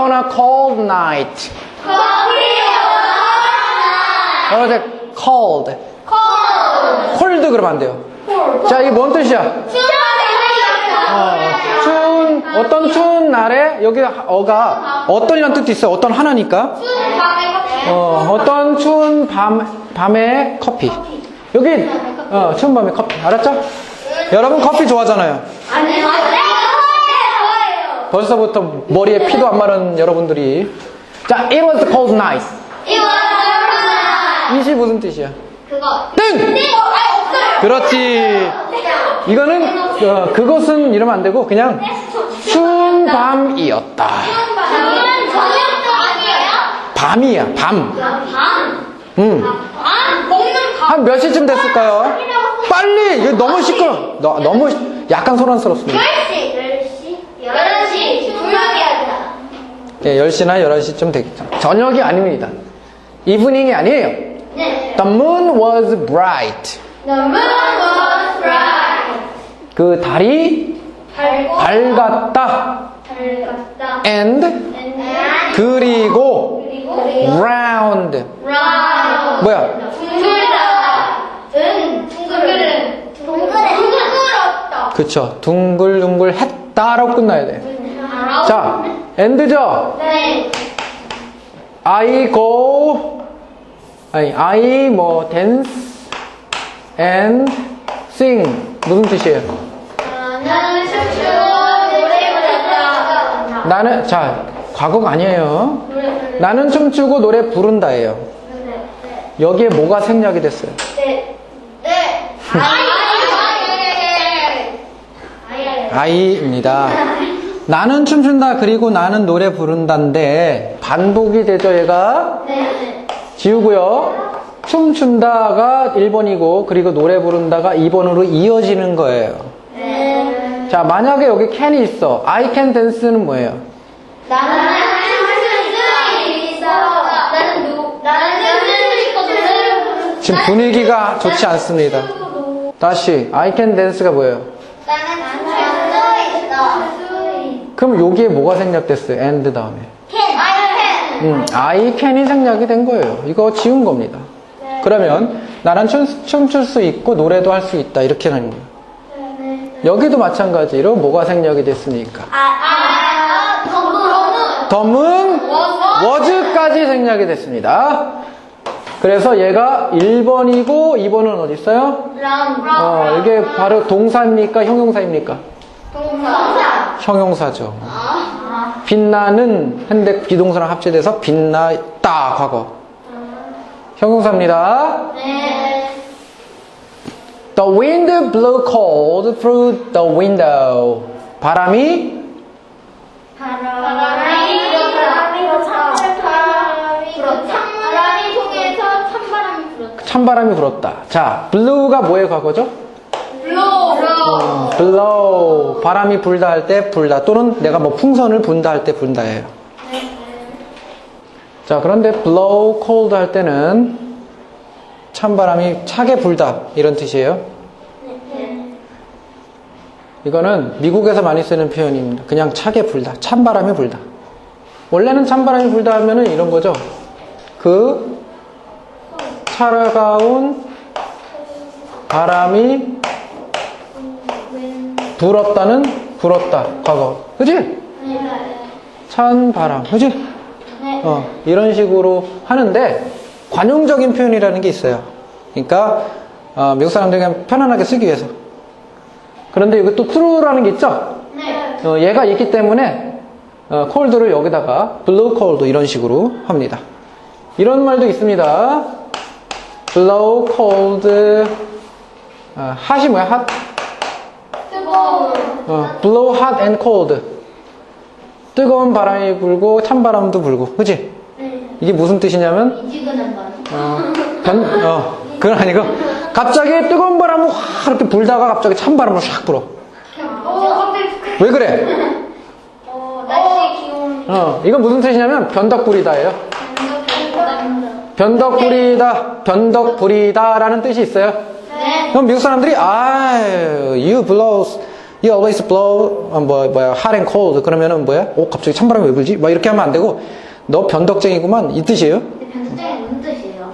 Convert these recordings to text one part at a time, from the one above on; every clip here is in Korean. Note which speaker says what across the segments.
Speaker 1: on a cold night. 어제 cold. cold 그러면 안 돼요. 자, 이게 뭔 뜻이야? 추운, 어떤 추운 날에, 여기 어가 어떤이란 뜻도 있어요. 어떤 하나니까. 어떤 추운 밤에 커피. 여기, 추운 밤에 커피. 알았죠? 여러분 커피 좋아하잖아요. 벌써부터 머리에 피도 안 마른 여러분들이. 자, it was a cold night. 이시 무슨 뜻이야? 땡! 그렇지. 이거는 그것은 이러면 안 되고 그냥 추운 밤이었다. 밤이야, 밤. 한 몇 시쯤 됐을까요? 빨리! 이거 너무 시끄러. 너무 약간 소란스럽습니다.
Speaker 2: 11시 분명해야
Speaker 1: 예, 10시나 11시쯤 되겠죠. 저녁이 아닙니다. 이브닝이 아니에요.
Speaker 2: 네.
Speaker 1: The moon was bright.
Speaker 2: The moon was bright.
Speaker 1: 그 달이 밝았다. And 그리고 round. 뭐야?
Speaker 2: 둥글었다.
Speaker 1: 그쵸. 둥글둥글 했다라고 끝나야 돼. 자, and죠?
Speaker 2: 네.
Speaker 1: I go, I 뭐 dance and sing. 무슨 뜻이에요?
Speaker 2: 나는 춤추고 노래 부른다.
Speaker 1: 나는, 자, 과거가 아니에요. 나는 춤추고 노래 부른다예요. 여기에 뭐가 생략이 됐어요?
Speaker 2: 네. 네.
Speaker 1: I입니다. 나는 춤춘다 그리고 나는 노래 부른다인데 반복이 되죠 얘가?
Speaker 2: 네.
Speaker 1: 지우고요. 춤춘다가 1번이고 그리고 노래 부른다가 2번으로 이어지는 거예요.
Speaker 2: 네.
Speaker 1: 자, 만약에 여기 can이 있어. I can dance는 뭐예요?
Speaker 2: 나는 춤추고 있어. 나는 춤추고 노래를
Speaker 1: 지금 분위기가 좋지 않습니다. 다시 I can dance가 뭐예요?
Speaker 2: 나는 춤추고 있어.
Speaker 1: 그럼 여기에 뭐가 생략됐어요? and 다음에.
Speaker 2: I can.
Speaker 1: I can이 생략이 된 거예요. 이거 지운 겁니다.
Speaker 2: 네.
Speaker 1: 그러면 나는 춤출 수 있고 노래도 할 수 있다 이렇게 하는 거예요.
Speaker 2: 네.
Speaker 1: 여기도 마찬가지로 뭐가 생략이 됐으니까. 덤은 was까지 생략이 됐습니다. 그래서 얘가 1번이고 2번은 어디 있어요? 이게 바로 동사입니까? 형용사입니까?
Speaker 2: 동사.
Speaker 1: 형용사죠. 빛나는 현대 비동사랑 합체돼서 빛났다 과거. 형용사입니다.
Speaker 2: 네.
Speaker 1: The wind blew cold through the window. 바람이 찬바람이 불었다. 자, blew가 뭐의 과거죠? blow. 바람이 불다 할 때 불다. 또는 내가 뭐 풍선을 분다 할 때 분다예요. 자, 그런데 blow cold 할 때는 찬바람이 차게 불다 이런 뜻이에요. 이거는 미국에서 많이 쓰는 표현입니다. 그냥 차게 불다. 찬바람이 불다. 원래는 찬바람이 불다 하면은 이런 거죠. 그 차가운 바람이 불었다 과거. 그치? 찬 바람. 그치? 이런 식으로 하는데 관용적인 표현이라는 게 있어요. 그러니까 미국 사람들이 그냥 편안하게 쓰기 위해서. 그런데 여기 또 true라는 게 있죠? 얘가 있기 때문에 cold를 여기다가 blow cold 이런 식으로 합니다. 이런 말도 있습니다. blow cold hot이 뭐야? hot? blow hot and cold. 뜨거운 바람이 불고 찬 바람도 불고. 그치? 이게 무슨 뜻이냐면 그건 아니고 갑자기 뜨거운 바람을 확 이렇게 불다가 갑자기 찬 바람을 샥 불어. 왜 그래?
Speaker 2: 날씨 기온.
Speaker 1: 이건 무슨 뜻이냐면 변덕부리다예요. 변덕부리다라는 뜻이 있어요.
Speaker 2: 네.
Speaker 1: 그럼 미국 사람들이 you blow You always blow hot and cold. 그러면은 뭐야? 갑자기 찬바람이 왜 불지? 막 이렇게 하면 안 되고 너 변덕쟁이구만 이 뜻이에요.
Speaker 2: 변수장이 무슨 뜻이에요?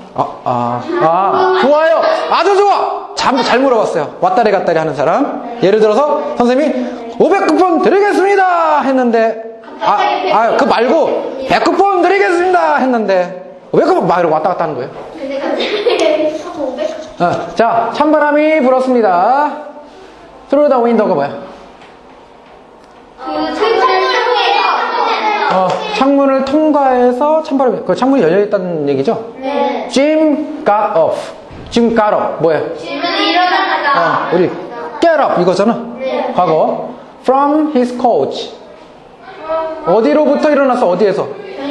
Speaker 1: 좋아요. 아주 좋아. 잘 물어봤어요. 왔다리 갔다리 하는 사람. 예를 들어서 선생님이 500쿠폰 드리겠습니다 했는데 그 말고 100쿠폰 드리겠습니다 했는데 500쿠폰 막 이러고 왔다 갔다 하는 거예요.
Speaker 2: 근데 갑자기 500.
Speaker 1: 자, 찬바람이 불었습니다. Through the window가 뭐야? 창문을 통과해서 찬바람이, 창문이 열려있다는 얘기죠?
Speaker 2: 네.
Speaker 1: Jim got off. Jim got up. 뭐예요?
Speaker 2: 질문이 일어나다가.
Speaker 1: 우리 get up 이거잖아.
Speaker 2: 네.
Speaker 1: 과거. From his couch. 어디로부터 일어났어? 어디에서?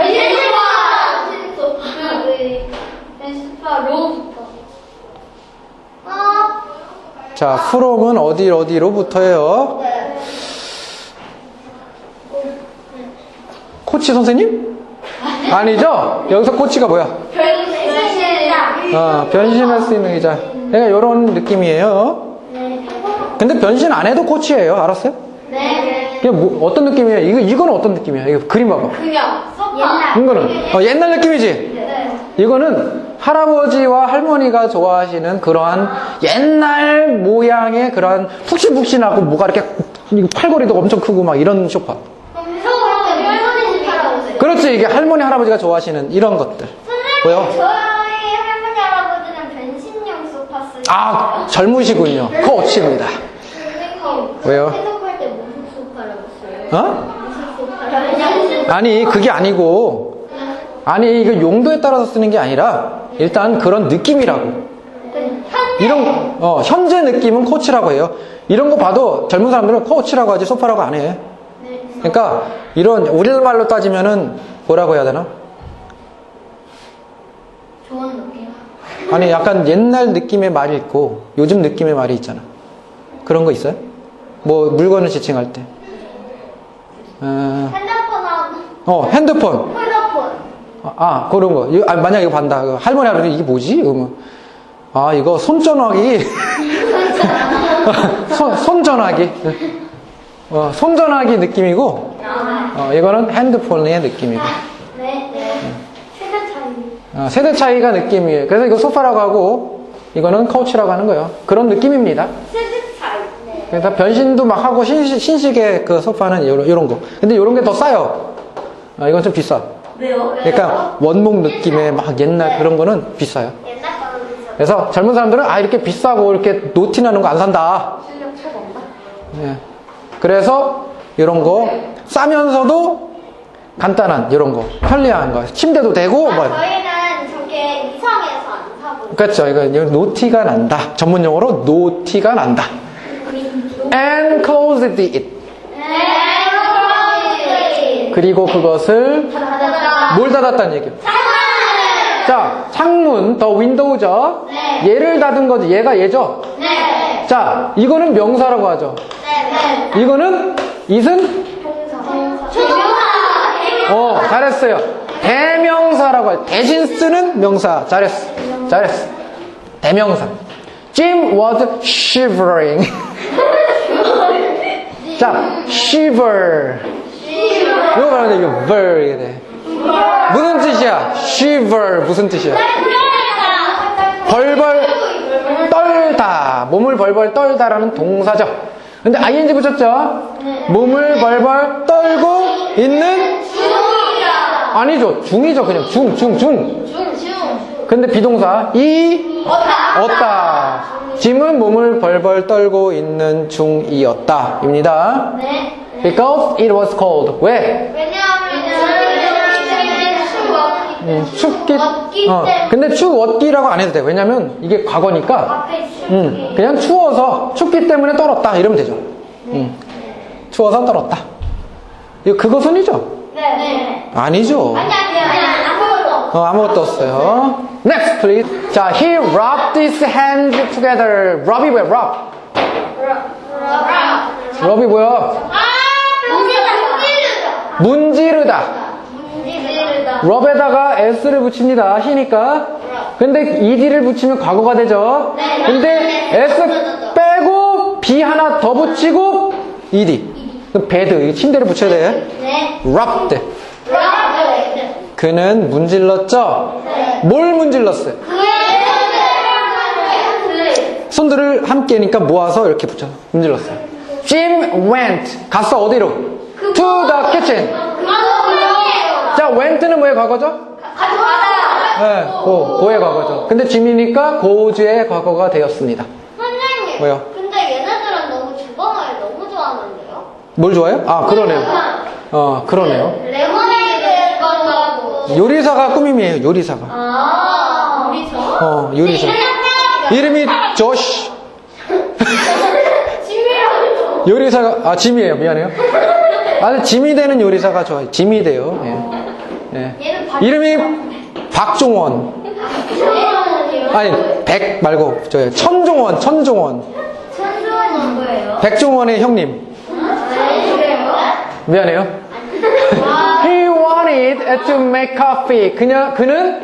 Speaker 2: 로부터.
Speaker 1: 자, from은 어디로부터예요? 코치 선생님? 아니죠? 여기서 코치가 뭐야? 변신할 수 있는 의자. 그러니까 이런 느낌이에요. 근데 변신 안 해도 코치예요. 알았어요?
Speaker 2: 네.
Speaker 1: 이게 어떤 느낌이에요? 이거는 어떤 느낌이야? 이거 그림 봐봐.
Speaker 2: 그냥 소파.
Speaker 1: 이거는 옛날 느낌이지?
Speaker 2: 네.
Speaker 1: 이거는 할아버지와 할머니가 좋아하시는 그러한 옛날 모양의 그러한 푹신푹신하고 뭐가 이렇게 팔걸이도 엄청 크고 막 이런 소파. 그렇지, 이게 할머니 할아버지가 좋아하시는 이런 것들. 뭐요?
Speaker 2: 저희 할머니 할아버지는 변신용 소파 쓰요.
Speaker 1: 젊으시군요. 코치입니다. 왜요?
Speaker 2: 해석할 때 무슨 소파라고 써요? 무슨 소파라고?
Speaker 1: 아니, 그게 아니고, 이거 용도에 따라서 쓰는 게 아니라, 일단 그런 느낌이라고. 현재 느낌은 코치라고 해요. 이런 거 봐도 젊은 사람들은 코치라고 하지 소파라고 안 해. 그러니까, 우리말로 따지면은, 뭐라고 해야 되나?
Speaker 2: 좋은 느낌.
Speaker 1: 아니, 약간 옛날 느낌의 말이 있고, 요즘 느낌의 말이 있잖아. 그런 거 있어요? 뭐, 물건을 지칭할 때. 핸드폰.
Speaker 2: 핸드폰.
Speaker 1: 그런 거. 만약 이거 반다. 할머니 할아버지 이게 뭐지? 이러면 이거 손전화기. 손전화기. 손전화기 느낌이고, 이거는 핸드폰의 느낌이고.
Speaker 2: 네. 세대 차이.
Speaker 1: 세대 차이가 느낌이에요. 그래서 이거 소파라고 하고, 이거는 카우치라고 하는 거예요. 그런 느낌입니다.
Speaker 2: 세대 차이. 네.
Speaker 1: 그래서 변신도 막 하고, 신식의 그 소파는 이런 거. 근데 이런 게 더 싸요. 이건 좀 비싸.
Speaker 2: 왜요?
Speaker 1: 그러니까 원목 느낌의 막 옛날 그런 거는 비싸요.
Speaker 2: 옛날 거는 비싸.
Speaker 1: 그래서 젊은 사람들은 이렇게 비싸고 이렇게 노티 나는 거 안 산다.
Speaker 2: 실력 최고인가?
Speaker 1: 예. 그래서 이런 거 싸면서도 간단한 이런 거 편리한 거 침대도 되고 뭐.
Speaker 2: 저희는 저게 이상해서 안 사고.
Speaker 1: 그렇죠. 이거 노티가 난다. 전문 용어로 노티가 난다. And closed it. 그리고 그것을 뭘 닫았다는 얘기예요? 자, 창문, 더 윈도우죠?
Speaker 2: 네.
Speaker 1: 얘를 닫은 거지. 얘죠?
Speaker 2: 네.
Speaker 1: 자, 이거는 명사라고 하죠.
Speaker 2: 네.
Speaker 1: 이거는 it은
Speaker 2: 동사.
Speaker 1: 잘했어요. 대명사라고 해요. 대신 쓰는 명사. 잘했어. 대명사. Jim was shivering. 자, shiver. 이거 말하면 이거 ver 이게 돼. 무슨 뜻이야? shiver 무슨 뜻이야? 벌벌 떨다. 몸을 벌벌 떨다라는 동사죠. 근데 ing 붙였죠? 몸을 벌벌 떨고 있는? 아니죠. 중이죠. 그냥 중. 근데 비동사 얻다. 짐은 몸을 벌벌 떨고 있는 중이었다. 입니다.
Speaker 2: 네.
Speaker 1: Because it was cold. 왜? 춥기. 근데 추웠기라고 안 해도 돼. 왜냐면 이게 과거니까. 그냥 추워서 춥기 때문에 떨었다. 이러면 되죠. 추워서 떨었다. 이거 그것은이죠?
Speaker 2: 네.
Speaker 1: 아니죠.
Speaker 2: 아니,
Speaker 1: 아무것도 없어요. Next, please. 자, he rubbed his hands together. rub이 뭐야? rub. rub이 뭐야? 문지르다. rub에다가 s를 붙입니다. he니까. 근데 ed를 붙이면 과거가 되죠. 근데 s 빼고 b 하나 더 붙이고 ed. 그 bed. 이거 침대를 붙여야 돼.
Speaker 2: 네.
Speaker 1: rubbed. 그는 문질렀죠?
Speaker 2: 네.
Speaker 1: 뭘 문질렀어요? 손들을 함께니까 모아서 이렇게 붙여 문질렀어요. Jim went. 갔어, 어디로? To the kitchen. 자, went는 뭐의 과거죠? 네, 고의 과거죠. 근데 짐이니까 goes의 과거가 되었습니다.
Speaker 2: 선생님.
Speaker 1: 왜요?
Speaker 2: 근데 얘네들은 너무 주방을 너무 좋아하는데요?
Speaker 1: 뭘 좋아해요? 아, 그러네요. 그러네요.
Speaker 2: 레모네이드 건가고.
Speaker 1: 요리사가 꾸밈이에요, 요리사가.
Speaker 2: 아, 우리죠?
Speaker 1: 요리사. 이름이 조시.
Speaker 2: 짐이라고.
Speaker 1: 요리사가, 짐이에요. 미안해요. 근데 짐이 되는 요리사가 좋아요. 짐이 돼요. 예.
Speaker 2: 얘는
Speaker 1: 이름이 박종원. 아니, 백 말고, 천종원.
Speaker 2: 천주원은 뭐예요?
Speaker 1: 백종원의 형님.
Speaker 2: 그래요?
Speaker 1: 미안해요. He wanted to make coffee. 그는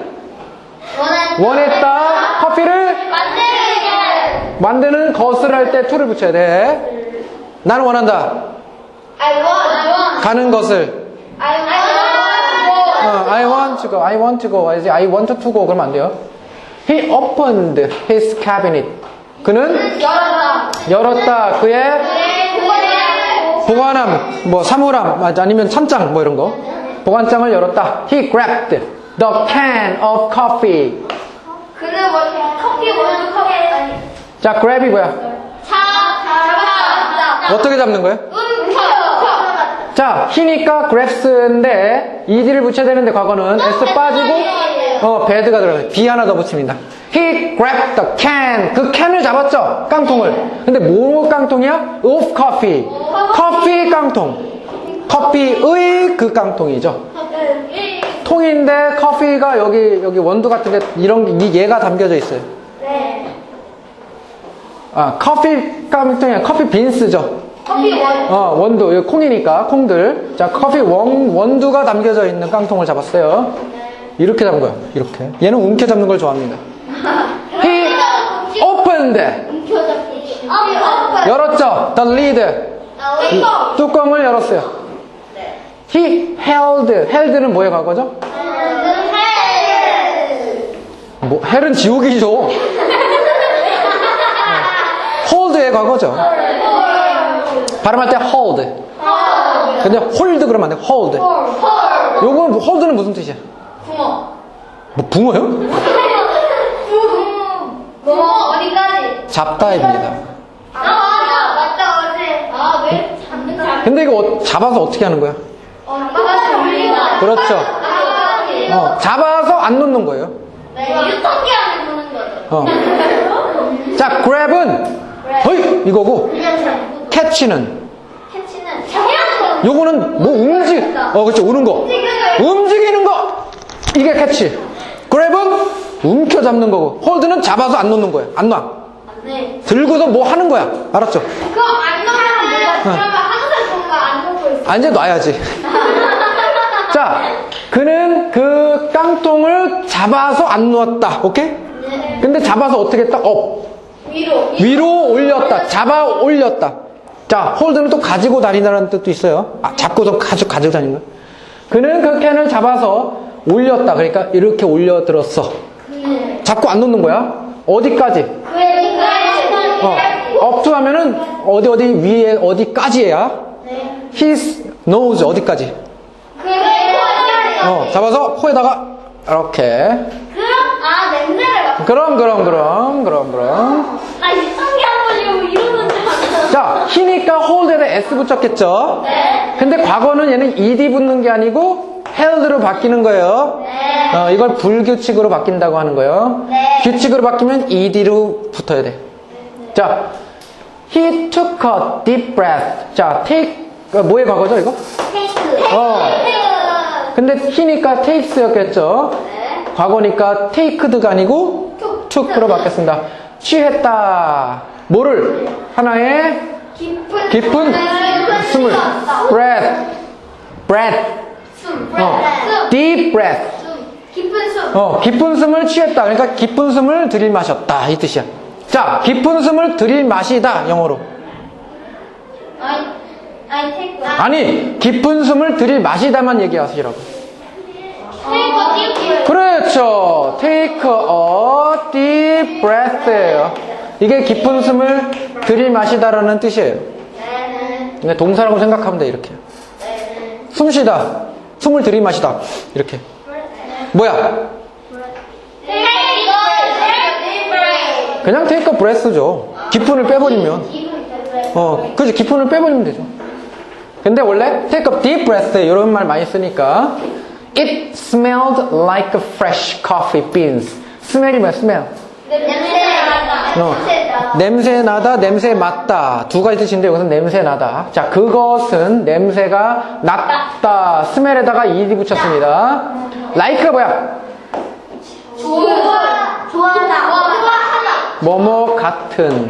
Speaker 1: 원했다. 커피를 만드는 것을 할 때 to를 붙여야 돼. 나는 원한다.
Speaker 2: I want.
Speaker 1: 가는 것을. I want to go. I want to go. I want to go. 그러면 안 돼요. He opened his cabinet. 그는 열었다. 그의 보관함, 사물함, 아니면 찬장, 이런 거. 보관장을 열었다. He grabbed the can of coffee.
Speaker 2: 그는 커피 원두 컵에
Speaker 1: 자, grab이 뭐야?
Speaker 2: 잡아.
Speaker 1: 어떻게 잡는 거예요? 자, he니까 grabs인데 ed를 붙여야 되는데 과거는 s 빠지고 bed가 들어가요. b 하나 더 붙입니다. He grabbed the can. 그 캔을 잡았죠? 깡통을. 근데 뭐 깡통이야? Of coffee. 커피 깡통. 커피의 그 깡통이죠. 통인데 커피가 여기 원두 같은데 얘가 담겨져 있어요.
Speaker 2: 네.
Speaker 1: 커피 깡통이 아니라 커피 빈스죠.
Speaker 2: 커피 원.
Speaker 1: 원두. 여기 콩이니까 콩들. 자, 커피 원두가 담겨져 있는 깡통을 잡았어요. 이렇게 잡은 거예요. 이렇게. 얘는 움켜 잡는 걸 좋아합니다. He opened. 열었죠. The lid. 뚜껑을 열었어요. He held는 뭐의 과거죠? 헬은 지옥이죠. hold의 과거죠. 발음할 때 hold. 근데 hold 그러면 안 돼. hold. 요건 hold는 무슨 뜻이야?
Speaker 2: 붕어.
Speaker 1: 붕어요?
Speaker 2: 붕어 어디까지?
Speaker 1: 잡다입니다.
Speaker 2: 맞다 어제. 왜 잡는 거?
Speaker 1: 근데 이거 잡아서 어떻게 하는 거야?
Speaker 2: 잡아서 올리다.
Speaker 1: 그렇죠. 잡아서 안 놓는 거예요.
Speaker 2: 네, 유통기한을 보는 거죠.
Speaker 1: 자, grab은 이거고 catch는
Speaker 2: 캐치는 잡는 거.
Speaker 1: 요거는 그렇죠. 우는 거. 움직이는 거. 이게 catch. grab은 움켜 잡는 거고 hold는 잡아서 안 놓는 거예요. 안 놔.
Speaker 2: 네.
Speaker 1: 들고서 뭐 하는 거야. 알았죠?
Speaker 2: 그거 안 넣으면 몰라. 그러면 항상 뭔가 안 놓고 있어.
Speaker 1: 이제 놔야지. 자, 그는 그 깡통을 잡아서 안 놓았다. 오케이?
Speaker 2: 네.
Speaker 1: 근데 잡아서 어떻게 했다? 위로 올렸다. 잡아 올렸다. 자, 홀드는 또 가지고 다니다라는 뜻도 있어요. 잡고서 가지고 다니는 거예요. 그는 그 캔을 잡아서 올렸다. 그러니까 이렇게 올려들었어. 잡고 안 놓는 거야. 어디까지? up to 하면은 어디 위에 어디까지야?
Speaker 2: 네.
Speaker 1: His nose 어디까지? 잡아서 코에다가 이렇게.
Speaker 2: 냄새를 맡아.
Speaker 1: 그럼.
Speaker 2: 나 유통기한 보려고 이러는 줄 알았어.
Speaker 1: 자, 히니까 hold에다 s 붙였겠죠?
Speaker 2: 네.
Speaker 1: 근데 과거는 얘는 ed 붙는 게 아니고 held로 바뀌는 거예요.
Speaker 2: 네.
Speaker 1: 이걸 불규칙으로 바뀐다고 하는 거예요.
Speaker 2: 네.
Speaker 1: 규칙으로 바뀌면 ed로 붙어야 돼. 자, he took a deep breath. 자, take 뭐의 과거죠, 이거?
Speaker 2: 테이크.
Speaker 1: 근데 he니까 takes였겠죠?
Speaker 2: 네.
Speaker 1: 과거니까 taked가 아니고 took로 바뀌었습니다. 취했다. 뭐를? 하나의 깊은 숨을. breath. deep breath.
Speaker 2: 깊은 숨.
Speaker 1: 깊은 숨을 취했다. 그러니까 깊은 숨을 들이마셨다. 이 뜻이야. 자, 깊은 숨을 들이마시다. 영어로.
Speaker 2: 아니, 테이크.
Speaker 1: 아니, 깊은 숨을 들이마시다만 얘기하시라고.
Speaker 2: 테이크.
Speaker 1: 그렇죠. Take a deep breath예요. 이게 깊은 숨을 들이마시다라는 뜻이에요. 근데 동사라고 생각하면 돼, 이렇게. 숨 쉬다. 숨을 들이마시다. 이렇게. 뭐야? 그냥 take a breath죠. 기fun을 빼버리면. 그지? 기fun을 빼버리면 되죠. 근데 원래 take a deep breath 이런 말 많이 쓰니까 it smelled like fresh coffee beans. 스멜이 뭐야? 스멜. 냄새 나다, 냄새 맡다. 두 가지 뜻인데 여기서 냄새 나다. 자, 그것은 냄새가 났다. 스멜에다가 ed 붙였습니다. like가 뭐야?
Speaker 2: 좋아하다.
Speaker 1: 뭐뭐 같은.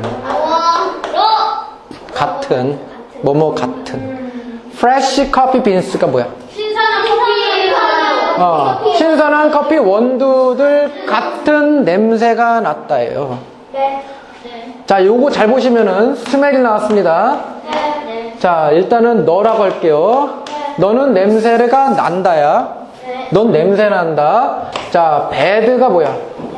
Speaker 1: 같은. 뭐뭐 같은. fresh coffee beans가 뭐야?
Speaker 2: 신선한 커피.
Speaker 1: 신선한 커피 원두들 같은 냄새가 났다예요.
Speaker 2: 네.
Speaker 1: 자, 요거 잘 보시면은 스멜이 나왔습니다.
Speaker 2: 네.
Speaker 1: 자, 일단은 너라고 할게요. 너는 냄새가 난다야. 넌 냄새 난다. 자, bad가 뭐야?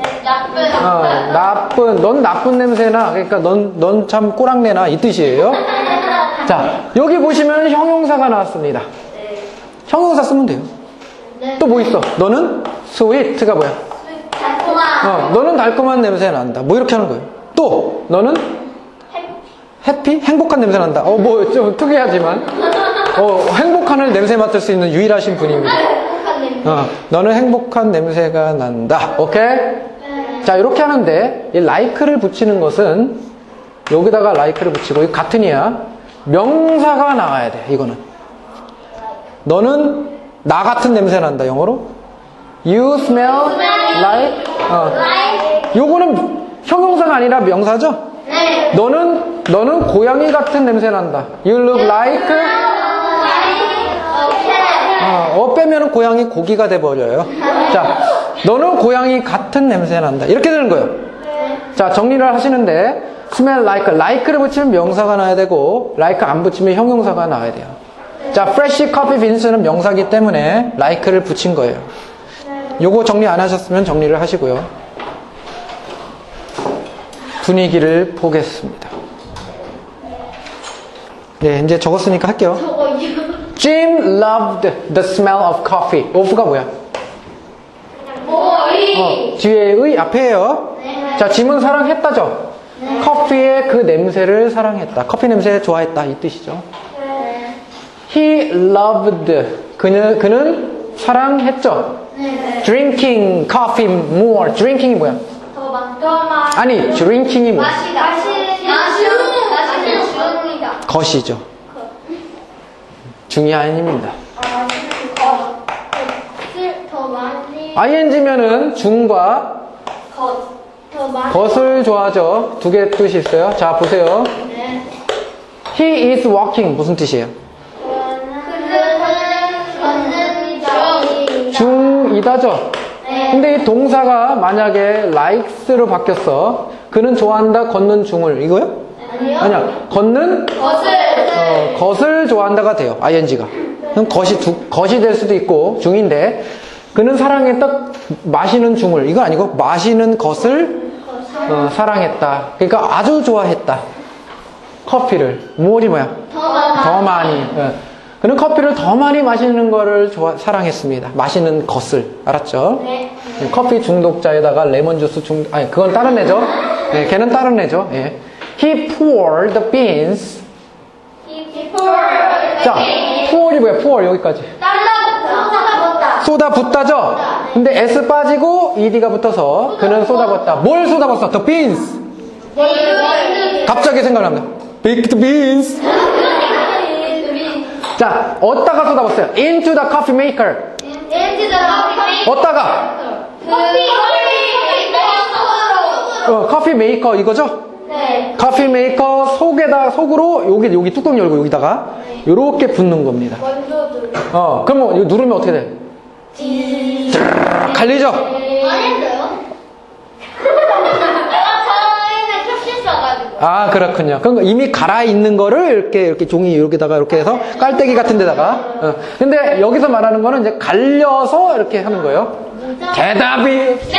Speaker 1: 나쁜. 넌 나쁜 냄새나. 그러니까 넌 참 꼬랑내나 이 뜻이에요. 자, 여기 보시면 형용사가 나왔습니다. 형용사 쓰면 돼요. 또 뭐 있어? 너는 sweet가 뭐야?
Speaker 2: 달콤한.
Speaker 1: 너는 달콤한 냄새 난다. 뭐 이렇게 하는 거예요. 또 너는 해피? 행복한 냄새 난다. 뭐 좀 특이하지만 행복한 냄새 맡을 수 있는 유일하신 분입니다.
Speaker 2: 행복한 냄새.
Speaker 1: 너는 행복한 냄새가 난다. 오케이? 자, 이렇게 하는데 이 like를 붙이는 것은 여기다가 like를 붙이고 이 같은이야. 명사가 나와야 돼. 이거는 너는 나 같은 냄새 난다. 영어로 You smell like. 요거는 형용사가 아니라 명사죠?
Speaker 2: 네.
Speaker 1: 너는 고양이 같은 냄새 난다. You look like. 빼면은 고양이 고기가 돼버려요. 자, 너는 고양이 같은 냄새 난다. 이렇게 되는 거예요. 자, 정리를 하시는데 smell like를 붙이면 명사가 나와야 되고 like 안 붙이면 형용사가 나와야 돼요. 자, fresh coffee beans는 명사기 때문에 like를 붙인 거예요. 요거 정리 안 하셨으면 정리를 하시고요. 분위기를 보겠습니다. 네, 이제 적었으니까 할게요. Jim loved the smell of coffee. of가 뭐야? 뒤에 의 앞에요. 자, 짐은 사랑했다죠? 커피의 그 냄새를 사랑했다. 커피 냄새 좋아했다. 이 뜻이죠. He loved. 그는 사랑했죠? Drinking coffee more. drinking이 뭐야? 아니, drinking이 뭐야?
Speaker 2: 마시는
Speaker 1: 것이죠. 중요한 힘입니다.
Speaker 2: 더 많이.
Speaker 1: ing면은 중과
Speaker 2: 더 많이.
Speaker 1: 것을 좋아하죠. 두 개 뜻이 있어요. 자, 보세요.
Speaker 2: 네.
Speaker 1: He is walking. 무슨 뜻이에요?
Speaker 2: 걷는
Speaker 1: 중이다죠.
Speaker 2: 네.
Speaker 1: 근데 이 동사가 만약에 likes로 바뀌었어. 그는 좋아한다, 걷는 중을. 이거요?
Speaker 2: 아니요.
Speaker 1: 아니야. 걷는 것을 좋아한다가 돼요. ing가. 그럼 것이 될 수도 있고 중인데 그는 사랑했다, 마시는 중을. 이건 아니고 마시는 것을 사랑했다. 그러니까 아주 좋아했다. 커피를. 무엇이 뭐야? 더 많이. 그는 커피를 더 많이 마시는 거를 사랑했습니다. 마시는 것을. 알았죠?
Speaker 2: 네.
Speaker 1: 커피 중독자에다가 레몬 주스 아니, 그건 다른 애죠? 네, 걔는 다른 애죠? 예. He poured the beans. 자, pour이 뭐야? pour 여기까지. 쏟아 붓다죠? 근데 S 빠지고 ED가 붙어서 그는 쏟아붓다. 뭘 쏟아붓어? The beans. 갑자기 생각납니다. Baked beans. 자, 어디다가 쏟아붓어요? Into the coffee maker. 어디다가? 커피 메이커 이거죠?
Speaker 2: 네.
Speaker 1: 커피 메이커 속으로 여기 뚜껑 열고 여기다가 요렇게 붓는 겁니다. 그러면 이거 누르면 어떻게 돼? 갈리죠?
Speaker 2: 안 했어요? 저희는 캡슐 써가지고.
Speaker 1: 아, 그렇군요. 그럼 이미 갈아있는 거를 이렇게 종이 이렇게다가 이렇게 해서 깔때기 같은 데다가. 근데 여기서 말하는 거는 이제 갈려서 이렇게 하는 거예요. 대답이.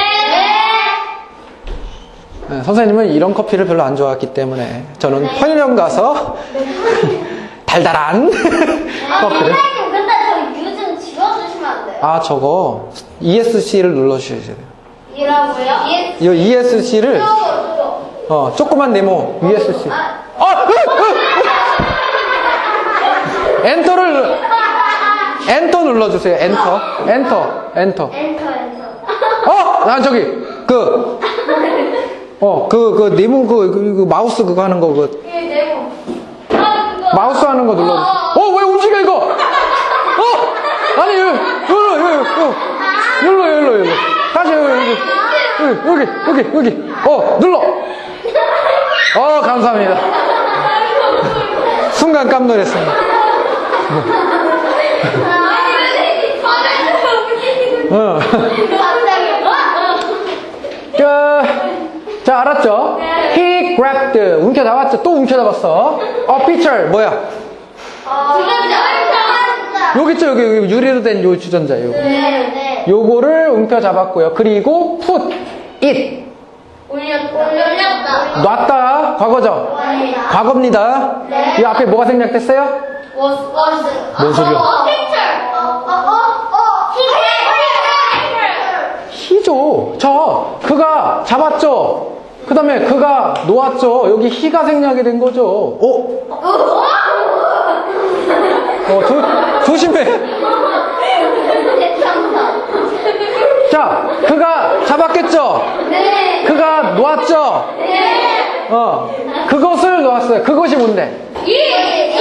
Speaker 1: 네, 선생님은 이런 커피를 별로 안 좋아했기 때문에 저는 편의점 가서 달달한 커피를.
Speaker 2: 선생님, 근데 저 유좀 지워주시면 안 돼요?
Speaker 1: 아, 저거 ESC를 눌러주셔야 돼요.
Speaker 2: 이라고요?
Speaker 1: 이 ESC를 조그만 네모 ESC. 엔터 눌러주세요. 엔터. 난 저기 네모 그 마우스 그거 하는 거
Speaker 2: 네모.
Speaker 1: 마우스 하는 거 눌러주세요. 왜 움직여 이거? 아니 여기로. 다시 여기. 눌러. 감사합니다. 순간 깜놀했습니다. 자, 알았죠? He grabbed. 움켜잡았죠? 또 움켜잡았어. picture. 뭐야? 여기 있죠? 여기 유리로 된 요 주전자. 요거.
Speaker 2: 네.
Speaker 1: 요거를 움켜잡았고요. 그리고 put it.
Speaker 2: 올렸다.
Speaker 1: 놨다. 과거죠? 과거입니다. 이 앞에 뭐가 생략됐어요? 뭔 소리야? 히죠. 그가 잡았죠. 그 다음에 그가 놓았죠. 여기 히가 생략이 된 거죠. 조심해. 자, 그가 잡았겠죠.
Speaker 2: 네.
Speaker 1: 그가 놓았죠.
Speaker 2: 네.
Speaker 1: 그것을 놓았어요. 그것이 뭔데?
Speaker 2: 이게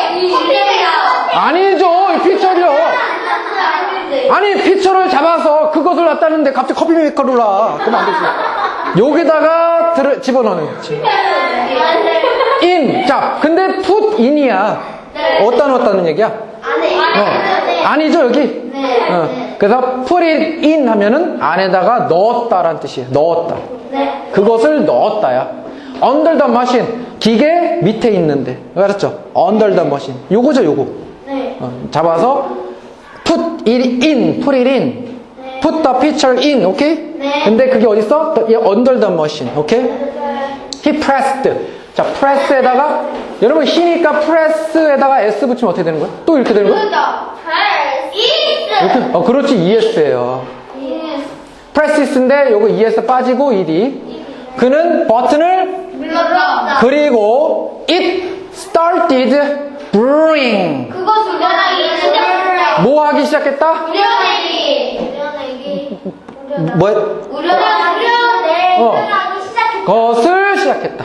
Speaker 1: 아니죠. 이 피처리요. 아니, 피처를 잡아서 그것을 놨다는데 갑자기 커피 메이커를 놔. 그러면 안 되지. 여기다가 집어넣는 거지. in. 자, 근데 put in이야. 어디다 넣었다는 얘기야? 아니죠, 여기? 그래서 put it in 하면은 안에다가 넣었다라는 뜻이에요. 넣었다. 그것을 넣었다야. under the machine. 기계 밑에 있는데. 알았죠? under the machine. 요거죠, 요거. 잡아서 put it in. put the picture in. 오케이? 근데 그게 어딨어? under the machine. 오케이? he pressed. 자, press에다가 여러분 히니까 press에다가 s 붙이면 어떻게 되는 거야? 또 이렇게 되는 거야? 이렇게? 그렇지. es예요. press인데 요거 es 빠지고 ed. 그는 버튼을 그리고 it started brewing. 뭐 하기 시작했다? 것을 시작했다.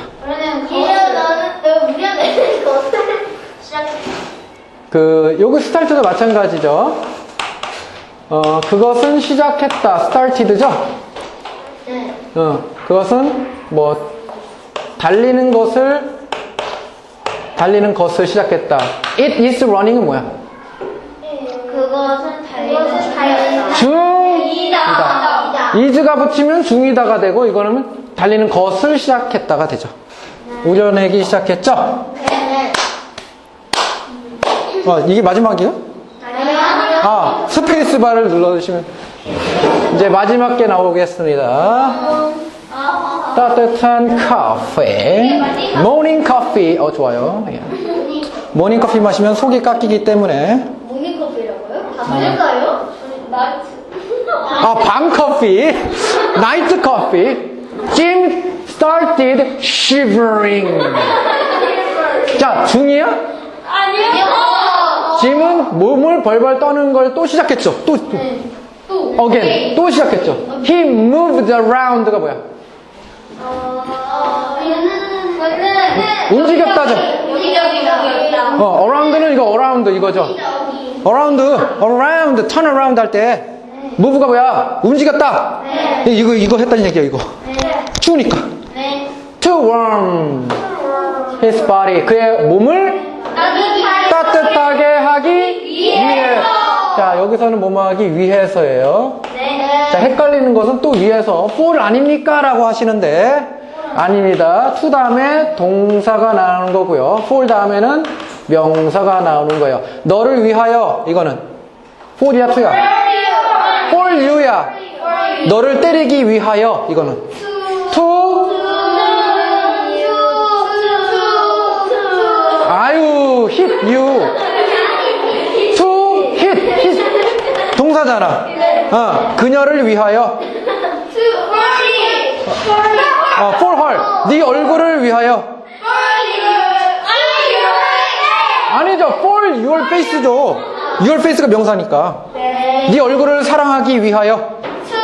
Speaker 1: 요거 스타트도 마찬가지죠. 그것은 시작했다. started죠? 그것은 달리는 것을 시작했다. It is running은 뭐야?
Speaker 2: 그것은 달리는
Speaker 1: 중이다. is가 붙이면 중이다가 되고 이거는 달리는 것을 시작했다가 되죠. 우려내기 시작했죠? 이게 마지막이에요? 스페이스 바를 눌러주시면 이제 마지막 게 나오겠습니다. 따뜻한 커피. 모닝 커피. 좋아요. 모닝 커피 마시면 속이 깎이기 때문에.
Speaker 2: 모닝커피라고요? 다 틀릴까요?
Speaker 1: 밤 커피. 나이트 커피. Jim started shivering. 자, 중이야?
Speaker 2: 아니요.
Speaker 1: 짐은 몸을 벌벌 떠는 걸 또 시작했죠. again. 또 시작했죠. He moved around가 뭐야? 움직였다죠. around는 이거 around 이거죠. around, turn around 할 때 move가 뭐야? 움직였다. 이거 했다는 얘기야, 이거. 추우니까. to warm his body. 그의 몸을 따뜻하게 하기 위해. 자, 여기서는 뭐뭐 하기 위해서예요. 자, 헷갈리는 것은 또 위해서. for 아닙니까? 라고 하시는데 아닙니다. to 다음에 동사가 나오는 거고요. for 다음에는 명사가 나오는 거예요. 너를 위하여 이거는 for이야 to야? for you야. 너를 때리기 위하여 이거는 to 아유 hit you to hit 동사잖아. 그녀를 위하여 for her 네 얼굴을 위하여 아니죠. for your face죠. your face가 명사니까 네 얼굴을 사랑하기 위하여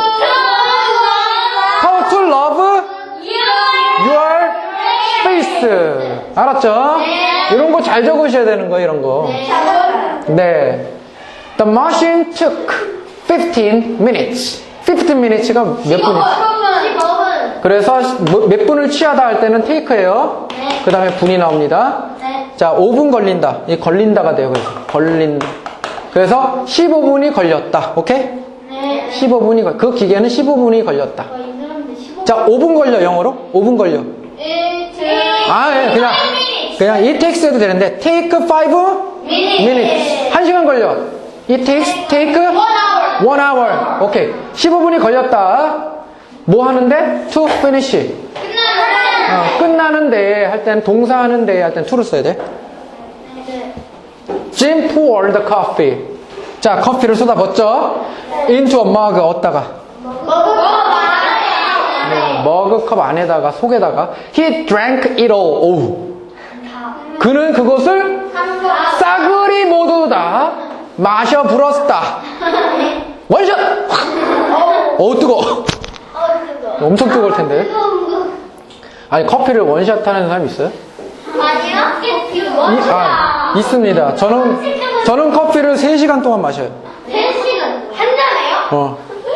Speaker 1: how to love your face 알았죠? 이런 거 잘 적으셔야 되는 거예요. 이런 거. 네. The machine took 15 minutes. 15 minutes가 몇 분이지? 그래서 몇 분을 취하다 할 때는 take예요. 그 다음에 분이 나옵니다. 자, 5분 걸린다. 이 걸린다가 돼요. 그래서 걸린다. 그래서 15분이 걸렸다. 오케이? 15분이 그 기계는 15분이 걸렸다. 자, 5분 걸려. 영어로? 5분 걸려. 예, 그냥 it takes 해도 되는데 take 5 minutes. 1시간 걸려. it take 1 hour. 오케이. 15분이 걸렸다. 뭐 하는데? to finish. 끝나는데 할 때는 동사 하는데 할 때는 to를 써야 돼. Jim poured the coffee. 자, 커피를 쏟아붓죠? into a mug 얻다가 머그컵 안에다가 속에다가 he drank it all. 오우. 그는 그것을 싸그리 모두 다 마셔 불었다. 원샷. 어우 뜨거. 엄청 뜨거울 텐데. 아니 커피를 원샷 하는 사람 있어요? 있습니다. 저는 커피를 3시간 동안 마셔요.
Speaker 2: 3시간? 한 잔에요?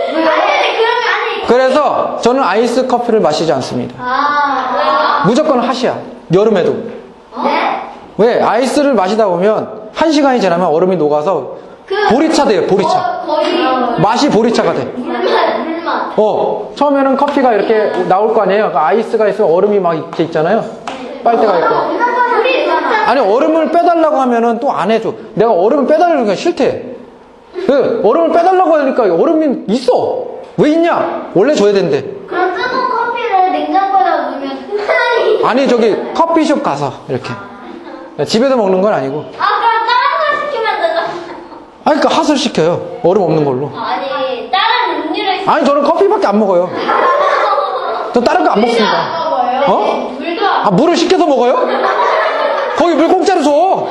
Speaker 1: 그래서 저는 아이스 커피를 마시지 않습니다. 무조건 핫이야. 여름에도. 왜? 아이스를 마시다 보면 1시간이 지나면 얼음이 녹아서 보리차 돼요. 보리차. 맛이 보리차가 돼.
Speaker 2: 물맛.
Speaker 1: 처음에는 커피가 이렇게 나올 거 아니에요. 아이스가 있으면 얼음이 막 이렇게 있잖아요. 빨대가 있고. 아니 얼음을 빼달라고 하면은 또 안 해줘. 내가 얼음을 빼달라는 게 싫대. 얼음을 빼달라고 하니까 얼음이 있어. 왜 있냐? 원래 줘야 된대.
Speaker 2: 그럼 뜨거운 커피를 냉장고에 넣으면 흔히
Speaker 1: 아니 저기 커피숍 가서 이렇게. 집에서 먹는 건 아니고.
Speaker 2: 그럼 다른 걸 시키면 되잖아.
Speaker 1: 아니 그러니까 핫을 시켜요. 얼음 없는 걸로.
Speaker 2: 아니 다른 음료를
Speaker 1: 아니 저는 커피밖에 안 먹어요. 저 다른 거 안 먹습니다.
Speaker 2: 먹어요? 물도 안
Speaker 1: 물을 시켜서 먹어요? 거기 물 공짜로 줘.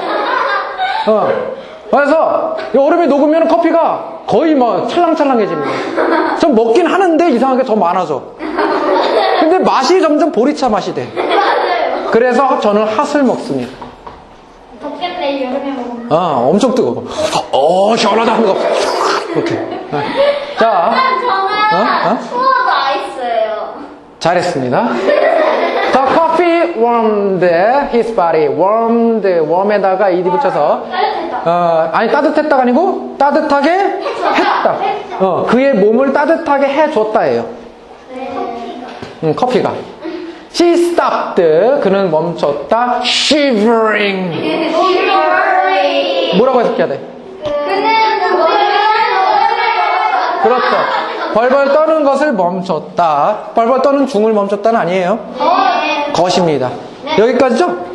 Speaker 1: 그래서 이 얼음이 녹으면 커피가 거의 막 찰랑찰랑해집니다. 전 먹긴 하는데 이상하게 더 많아져. 근데 맛이 점점 보리차 맛이 돼.
Speaker 2: 맞아요.
Speaker 1: 그래서 저는 핫을 먹습니다.
Speaker 2: 덥겠네 여름에 먹으면.
Speaker 1: 엄청 뜨거워. 시원하다 하면서 이렇게. 자,
Speaker 2: 저는 추워도 아이스예요.
Speaker 1: 잘했습니다. The coffee warmed his body. warm에다가 ed 붙여서 아니 따뜻했다가 아니고 따뜻하게 했다. 그의 몸을 따뜻하게 해줬다예요. 커피가. She stopped. 그는 멈췄다. Shivering. 뭐라고 해석해야 돼? 그렇죠. 벌벌 떠는 것을 멈췄다. 벌벌 떠는 중을 멈췄다는 아니에요. 것입니다. 여기까지죠?